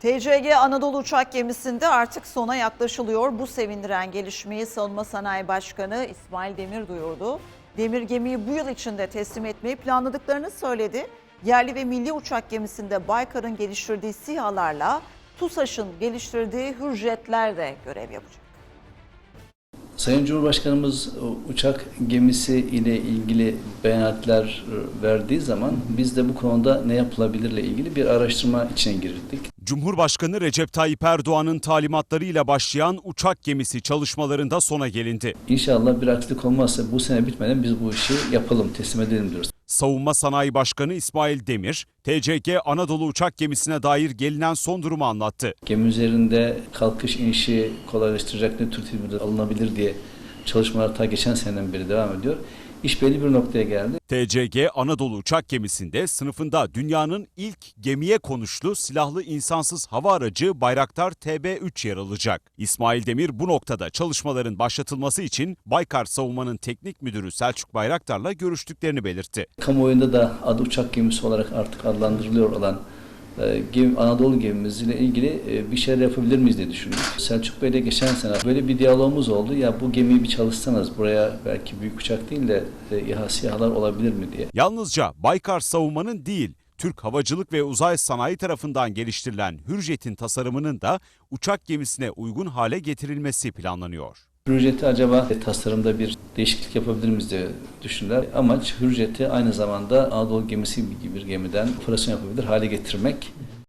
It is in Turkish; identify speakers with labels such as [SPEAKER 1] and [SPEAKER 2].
[SPEAKER 1] TCG Anadolu uçak gemisinde artık sona yaklaşılıyor. Bu sevindiren gelişmeyi Savunma Sanayi Başkanı İsmail Demir duyurdu. Demir gemiyi bu yıl içinde teslim etmeyi planladıklarını söyledi. Yerli ve milli uçak gemisinde Baykar'ın geliştirdiği SİHA'larla TUSAŞ'ın geliştirdiği Hürjetler de görev yapacak.
[SPEAKER 2] Sayın Cumhurbaşkanımız uçak gemisi ile ilgili beyanatlar verdiği zaman biz de bu konuda ne yapılabilirle ilgili bir araştırma içine girdik.
[SPEAKER 3] Cumhurbaşkanı Recep Tayyip Erdoğan'ın talimatlarıyla başlayan uçak gemisi çalışmalarında sona gelindi.
[SPEAKER 2] İnşallah bir aksilik olmazsa bu sene bitmeden biz bu işi yapalım, teslim edelim diyoruz.
[SPEAKER 3] Savunma Sanayi Başkanı İsmail Demir, TCG Anadolu uçak gemisine dair gelinen son durumu anlattı.
[SPEAKER 2] Gemi üzerinde kalkış inişi kolaylaştıracak ne tür tedbirler alınabilir diye çalışmalar ta geçen seneden beri devam ediyor. İş belli bir noktaya geldi.
[SPEAKER 3] TCG Anadolu uçak gemisinde sınıfında dünyanın ilk gemiye konuşlu silahlı insansız hava aracı Bayraktar TB3 yer alacak. İsmail Demir bu noktada çalışmaların başlatılması için Baykar Savunma'nın teknik müdürü Selçuk Bayraktar'la görüştüklerini belirtti.
[SPEAKER 2] Kamuoyunda da adı uçak gemisi olarak artık adlandırılıyor olan Anadolu gemimizle ilgili bir şeyler yapabilir miyiz diye düşündük. Selçuk Bey'le geçen sene böyle bir diyalogumuz oldu. Ya bu gemiyi bir çalışsanız buraya belki büyük uçak değil de SİHA'lar olabilir mi diye.
[SPEAKER 3] Yalnızca Baykar Savunma'nın değil, Türk Havacılık ve Uzay Sanayi tarafından geliştirilen Hürjet'in tasarımının da uçak gemisine uygun hale getirilmesi planlanıyor.
[SPEAKER 2] Hürjet'i acaba tasarımda bir değişiklik yapabilir miyiz diye düşündüler. Amaç Hürjet'i aynı zamanda Anadolu gemisi gibi bir gemiden operasyon yapabilir hale getirmek.